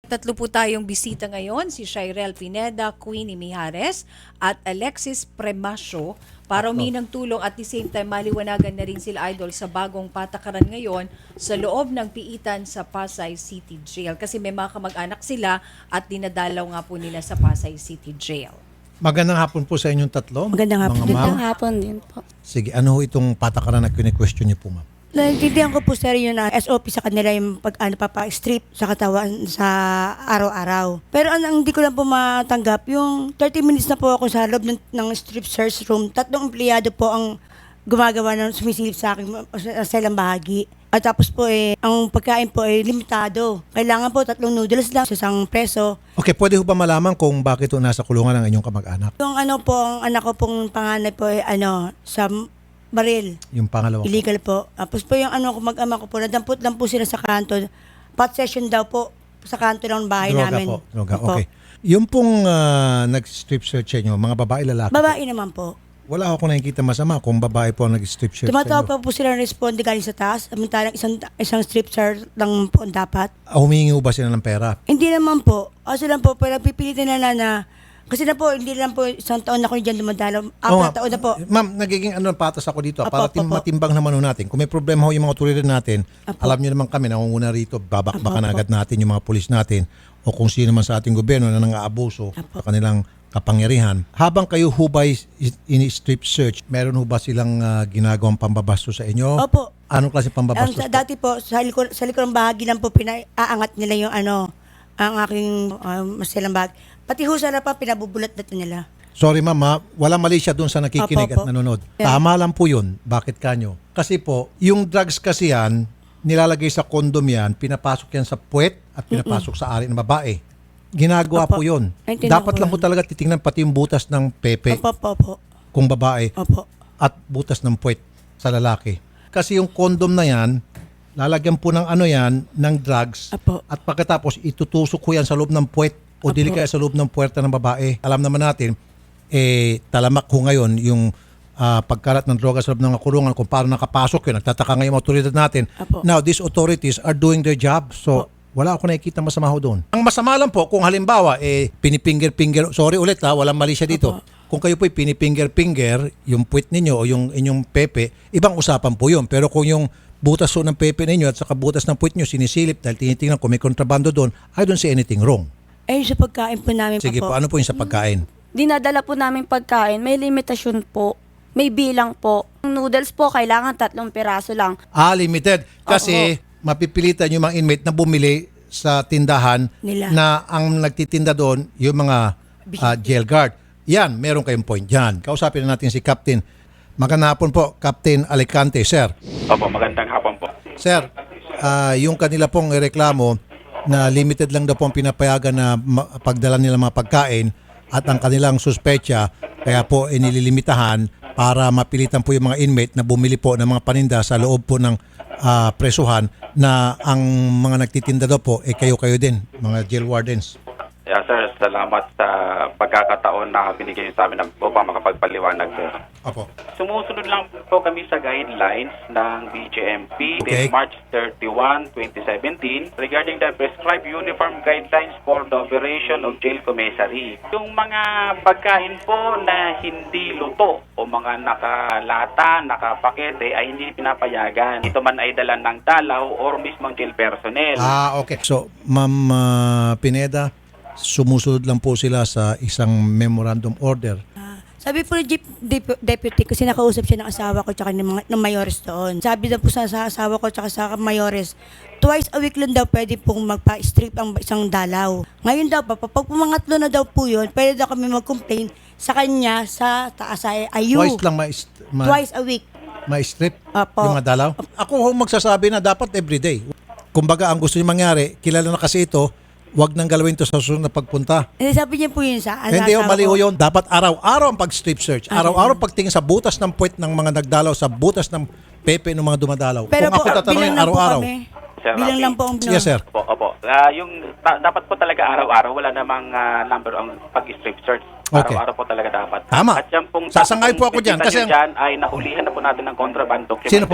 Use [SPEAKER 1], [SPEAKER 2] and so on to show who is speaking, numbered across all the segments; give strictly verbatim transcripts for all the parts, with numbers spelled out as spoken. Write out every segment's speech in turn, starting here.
[SPEAKER 1] Tatlo po tayong bisita ngayon, si Shirel Pineda, Queenie Mijares at Alexis Premasio para humingi ng tulong at the same time maliwanagan na rin sila idol sa bagong patakaran ngayon sa loob ng piitan sa Pasay City Jail. Kasi may mga kamag-anak sila at dinadalaw nga po nila sa Pasay City Jail.
[SPEAKER 2] Magandang hapon po sa inyong tatlo.
[SPEAKER 3] Magandang hapon.
[SPEAKER 2] mga ma'am.
[SPEAKER 3] Magandang hapon din po.
[SPEAKER 2] Sige, ano ho itong patakaran na kine-question niyo po, ma'am?
[SPEAKER 3] Naintindihan ko po sir yun na S O P sa kanila yung pag ano, papa-strip sa katawan sa araw-araw. Pero ang, ang hindi ko lang po matanggap, yung thirty minutes na po ako sa loob ng, ng strip search room, tatlong empleyado po ang gumagawa ng sumisilip sa akin sa selang bahagi. At tapos po eh, ang pagkain po ay eh, limitado. Kailangan po tatlong noodles lang sa isang preso.
[SPEAKER 2] Okay, pwede ho ba malaman kung bakit ho nasa kulungan ang inyong kamag-anak?
[SPEAKER 3] Yung ano po, ang anak ko pong panganay po ay ano, sa baril.
[SPEAKER 2] Yung pangalawa po.
[SPEAKER 3] Illegal po. Tapos po yung ano ko, mag-ama ko po, nadampot lang po sila sa kanto. Pot session daw po sa kanto ng bahay
[SPEAKER 2] Droga
[SPEAKER 3] namin.
[SPEAKER 2] po. Droga,
[SPEAKER 3] Opo.
[SPEAKER 2] okay. Yung pong ah, nag-strip search sa inyo, mga babae, lalaki?
[SPEAKER 3] Babae naman po.
[SPEAKER 2] Wala ako nakikita masama kung babae po ang nag-strip search sa
[SPEAKER 3] Tumatawag
[SPEAKER 2] inyo.
[SPEAKER 3] pa po sila ng responde galing sa taas. Samantalang isang, isang strip search lang po ang dapat.
[SPEAKER 2] Ah, humingi ho ba sila ng pera?
[SPEAKER 3] Hindi naman po. Kasi lang po, pero pipilitin na na na kasi na po, hindi lang po isang taon na ako dyan dumadalaw.
[SPEAKER 2] Oo
[SPEAKER 3] Apat
[SPEAKER 2] nga.
[SPEAKER 3] taon na po.
[SPEAKER 2] Ma'am, nagiging ano patas ako dito.
[SPEAKER 3] Apo,
[SPEAKER 2] Para
[SPEAKER 3] apo,
[SPEAKER 2] tim-
[SPEAKER 3] apo.
[SPEAKER 2] matimbang naman ho natin. Kung may problema ho yung mga otoridad natin,
[SPEAKER 3] Apo.
[SPEAKER 2] alam niyo naman kami, nangunguna rito, babakbakan
[SPEAKER 3] Apo, apo.
[SPEAKER 2] agad natin yung mga pulis natin o kung sino man sa ating gobyerno na nang-aabuso
[SPEAKER 3] Apo.
[SPEAKER 2] sa kanilang kapangyarihan. Habang kayo hubay in-strip search, meron ho ba silang uh, ginagawang pambabasto sa inyo?
[SPEAKER 3] Opo.
[SPEAKER 2] Anong klase
[SPEAKER 3] Ang
[SPEAKER 2] pambabasto?
[SPEAKER 3] sa, dati po, sa likod, sa likod ng bahagi lang po, pinaaangat nila yung ano, ang aking um, masilang bahagi. Pati ho sa pa, pinabubulat na nila.
[SPEAKER 2] Sorry mama, wala mali siya doon sa nakikinig
[SPEAKER 3] Apo,
[SPEAKER 2] at
[SPEAKER 3] apo.
[SPEAKER 2] nanonood.
[SPEAKER 3] Yeah.
[SPEAKER 2] Tama lang po yun. Bakit kanyo? Kasi po, yung drugs kasi yan, nilalagay sa kondom yan, pinapasok yan sa puwet at pinapasok sa ari ng babae. Ginagawa
[SPEAKER 3] Apo.
[SPEAKER 2] po yun.
[SPEAKER 3] Naintindihan
[SPEAKER 2] Dapat
[SPEAKER 3] ko
[SPEAKER 2] lang
[SPEAKER 3] yun.
[SPEAKER 2] po talaga titingnan pati yung butas ng pepe
[SPEAKER 3] Opo, opo, opo.
[SPEAKER 2] kung babae
[SPEAKER 3] Opo.
[SPEAKER 2] at butas ng puwet sa lalaki. Kasi yung kondom na yan, lalagyan po ng ano yan, ng drugs
[SPEAKER 3] Apo.
[SPEAKER 2] at pagkatapos itutusok ko yan sa loob ng puwet o
[SPEAKER 3] Apo.
[SPEAKER 2] dili kaya sa loob ng puwerta ng babae. Alam naman natin, eh, talamak ko ngayon yung ah, pagkalat ng droga sa loob ng kulungan kung paano nakapasok yun. Nagtataka ngayon yung otoridad natin.
[SPEAKER 3] Apo.
[SPEAKER 2] Now, these authorities are doing their job. So, wala ako nakikita masama ho doon. Ang masama lang po, kung halimbawa, eh, pinipinger-pinger, sorry ulit ha, walang mali siya dito.
[SPEAKER 3] Apo.
[SPEAKER 2] Kung kayo po pinipinger-pinger, yung puwit ninyo o yung inyong pepe, ibang usapan po yun. Pero kung yung butas ho ng pepe ninyo at saka butas ng puwit nyo sinisilip dahil tinitingnan kung may kontrabando doon, I don't see anything wrong.
[SPEAKER 3] Ayun sa pagkain po namin
[SPEAKER 2] Sige
[SPEAKER 3] pa
[SPEAKER 2] po,
[SPEAKER 3] po.
[SPEAKER 2] ano po yung sa pagkain?
[SPEAKER 4] Dinadala po namin pagkain, may limitasyon po. May bilang po. Yung noodles po, kailangan tatlong piraso lang.
[SPEAKER 2] Ah, limited. Kasi mapipilitan yung mga inmate na bumili sa tindahan
[SPEAKER 3] Nila.
[SPEAKER 2] na ang nagtitinda doon yung mga ah, jail guard. Yan, meron kayong point dyan. Kausapin na natin si Captain. Magandang hapon po, Captain Alicante, sir.
[SPEAKER 5] Opo, magandang hapon po.
[SPEAKER 2] Sir, ah, yung kanila pong reklamo na limited lang daw po ang pinapayagan na ma- pagdala nila mga pagkain at ang kanilang suspecha kaya po inililimitahan para mapilitan po yung mga inmate na bumili po ng mga paninda sa loob po ng ah, presuhan na ang mga nagtitinda daw po eh kayo-kayo din, mga jail wardens.
[SPEAKER 5] Yeah, sir, salamat sa pagkakataon na binigay niyo sa amin upang makapagpaliwanag, sir.
[SPEAKER 2] Opo.
[SPEAKER 5] Sumusunod lang po kami sa guidelines ng B J M P
[SPEAKER 2] Okay.
[SPEAKER 5] dated March thirty-first, twenty seventeen regarding the prescribed uniform guidelines for the operation of jail commissary. Yung mga pagkain po na hindi luto o mga nakalata, nakapakete ay hindi pinapayagan. Ito man ay dala ng dalaw or mismong jail personnel.
[SPEAKER 2] Ah, okay. So, Ma'am ah, Pineda, sumusunod lang po sila sa isang memorandum order.
[SPEAKER 3] Ah, sabi po ni Jeep Dep- Deputy, kasi nakausap siya ng asawa ko tsaka ng, mga, ng mayores doon. Sabi daw po sa, sa asawa ko tsaka sa mayores, twice a week lang daw pwede pong magpa-strip ang isang dalaw. Ngayon daw pa, pag pumangatlo na daw po yun, pwede daw kami mag-complain sa kanya sa taas ay ayu.
[SPEAKER 2] Twice lang ma- ma-
[SPEAKER 3] Twice a week.
[SPEAKER 2] ma-strip
[SPEAKER 3] Apo.
[SPEAKER 2] yung mga dalaw? Ako ho magsasabi na dapat everyday. Kumbaga, ang gusto niyo mangyari, kilala na kasi ito, wag nang galawin to sa susunod na pagpunta.
[SPEAKER 3] Eh, sabi niya po yun sa sa
[SPEAKER 2] Hindi ho,
[SPEAKER 3] asawa
[SPEAKER 2] mali
[SPEAKER 3] ko.
[SPEAKER 2] ho yun. Dapat araw-araw ang pag-strip search.
[SPEAKER 3] Ah,
[SPEAKER 2] Araw-araw pagtingin sa butas ng puwet ng mga nagdalaw, sa butas ng pepe ng mga dumadalaw.
[SPEAKER 3] Pero
[SPEAKER 2] Kung
[SPEAKER 3] po,
[SPEAKER 2] ako tatanungin
[SPEAKER 3] bilang lang po
[SPEAKER 2] araw-araw.
[SPEAKER 3] kami.
[SPEAKER 5] Sir,
[SPEAKER 3] Bilang
[SPEAKER 5] Rafi.
[SPEAKER 3] lang po ang
[SPEAKER 2] Yes, sir.
[SPEAKER 5] Opo, opo. Ah, yung ta- dapat po talaga araw-araw, wala namang ah, number ang pag-strip search.
[SPEAKER 2] Okay.
[SPEAKER 5] Araw-araw po talaga dapat.
[SPEAKER 2] Tama.
[SPEAKER 5] At yan pong
[SPEAKER 2] Sasangay po ako dyan,
[SPEAKER 5] nakikita
[SPEAKER 2] kasi
[SPEAKER 5] nyo
[SPEAKER 2] ang-
[SPEAKER 5] dyan ay nahulihan na po natin ng kontrabando.
[SPEAKER 2] Sino po?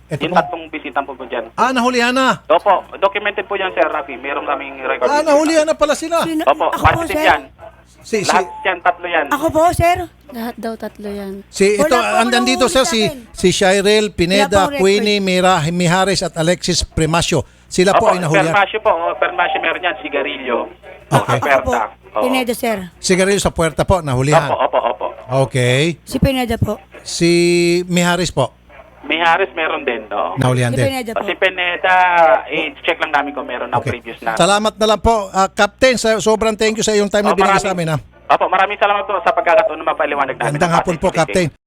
[SPEAKER 2] Ito
[SPEAKER 5] Yung
[SPEAKER 2] po.
[SPEAKER 5] tatlong bisitang po po dyan.
[SPEAKER 2] Ah, nahulihan na.
[SPEAKER 5] Opo, documented po yan, Sir Rafi. Meron kaming record.
[SPEAKER 2] Ah, nahulihan na pala sila.
[SPEAKER 3] Sino-
[SPEAKER 5] Opo,
[SPEAKER 3] ako po,
[SPEAKER 5] positive
[SPEAKER 3] sir.
[SPEAKER 5] yan.
[SPEAKER 2] Si, si,
[SPEAKER 5] Lahat yan, tatlo yan.
[SPEAKER 3] Ako po, sir.
[SPEAKER 4] Lahat daw tatlo yan.
[SPEAKER 2] si ito,
[SPEAKER 3] Wala po ako
[SPEAKER 2] andan dito
[SPEAKER 3] nahuhuli
[SPEAKER 2] sir,
[SPEAKER 3] sa
[SPEAKER 2] si,
[SPEAKER 3] akin.
[SPEAKER 2] si Shirel
[SPEAKER 3] Wala
[SPEAKER 2] Pineda,
[SPEAKER 3] pong record.
[SPEAKER 2] Queenie Mira, Mijares at Alexis Premasio. Sila po
[SPEAKER 5] Opo,
[SPEAKER 2] ay nahulihan.
[SPEAKER 5] Permasyo po. Oh, Permasyo meron yan, sigarilyo.
[SPEAKER 2] Okay.
[SPEAKER 3] Ako po,
[SPEAKER 5] Aperta. Oo.
[SPEAKER 3] Pineda, sir.
[SPEAKER 2] Sigarilyo sa puerta po,
[SPEAKER 5] Opo,
[SPEAKER 2] nahulihan.
[SPEAKER 5] opo, opo.
[SPEAKER 2] Okay.
[SPEAKER 3] Si Pineda po.
[SPEAKER 2] Si Mijares po,
[SPEAKER 5] Mijares meron din, no?
[SPEAKER 2] nahulihan
[SPEAKER 3] Si
[SPEAKER 2] din.
[SPEAKER 3] Pineda
[SPEAKER 5] O
[SPEAKER 3] po.
[SPEAKER 5] si Pineda, i-check lang namin kung meron ng
[SPEAKER 2] Okay.
[SPEAKER 5] previous na.
[SPEAKER 2] Salamat na lang po, ah, Captain. Sa, sobrang thank you sa iyong time na
[SPEAKER 5] Oh,
[SPEAKER 2] binigay
[SPEAKER 5] maraming-
[SPEAKER 2] sa amin. Ha?
[SPEAKER 5] Opo, maraming salamat po sa pagkakataon na mapaliwanag namin.
[SPEAKER 2] Gandang
[SPEAKER 5] ang
[SPEAKER 2] hapon
[SPEAKER 5] ating
[SPEAKER 2] po,
[SPEAKER 5] meeting.
[SPEAKER 2] Captain.